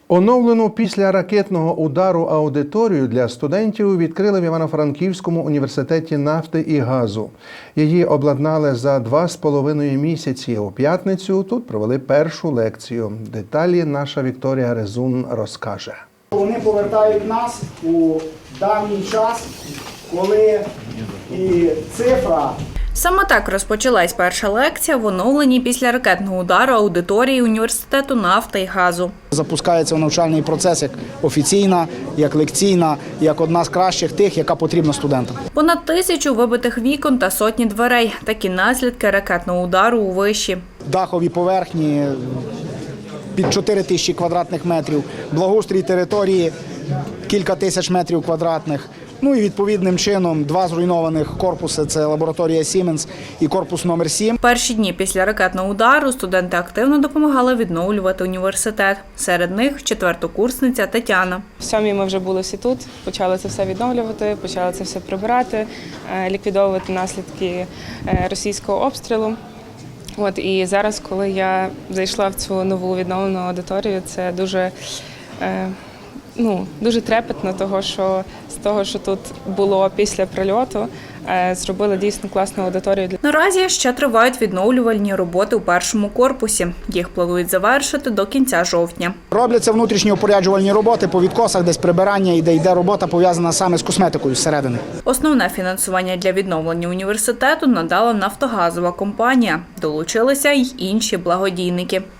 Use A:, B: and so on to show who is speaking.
A: Оновлену після ракетного удару аудиторію для студентів відкрили в Івано-Франківському університеті нафти і газу. Її обладнали за 2,5 місяці. У п'ятницю тут провели першу лекцію. Деталі наша Вікторія Резун розкаже.
B: Вони повертають нас у давній час, коли і цифра.
C: Саме так розпочалась перша лекція в оновленій після ракетного удару аудиторії університету нафти і газу.
B: Запускається навчальний процес як офіційна, як лекційна, як одна з кращих тих, яка потрібна студентам.
C: Понад 1000 вибитих вікон та сотні дверей – такі наслідки ракетного удару у виші.
B: Дахові поверхні під 4000 квадратних метрів, благоустрій території кілька тисяч метрів квадратних. Ну і відповідним чином 2 зруйнованих корпуси – це лабораторія Siemens і корпус номер 7.
C: Перші дні після ракетного удару студенти активно допомагали відновлювати університет. Серед них четвертокурсниця Тетяна.
D: В 7-й ми вже були всі тут, почали це все відновлювати, почали це все прибирати, ліквідовувати наслідки російського обстрілу. І зараз, коли я зайшла в цю нову відновлену аудиторію, це дуже трепетно, з того, що тут було після прильоту, зробили дійсно класну аудиторію.
C: Наразі ще тривають відновлювальні роботи у першому корпусі. Їх планують завершити до кінця жовтня.
B: Робляться внутрішні опоряджувальні роботи по відкосах, десь прибирання, і де йде робота пов'язана саме з косметикою зсередини.
C: Основне фінансування для відновлення університету надала нафтогазова компанія. Долучилися й інші благодійники.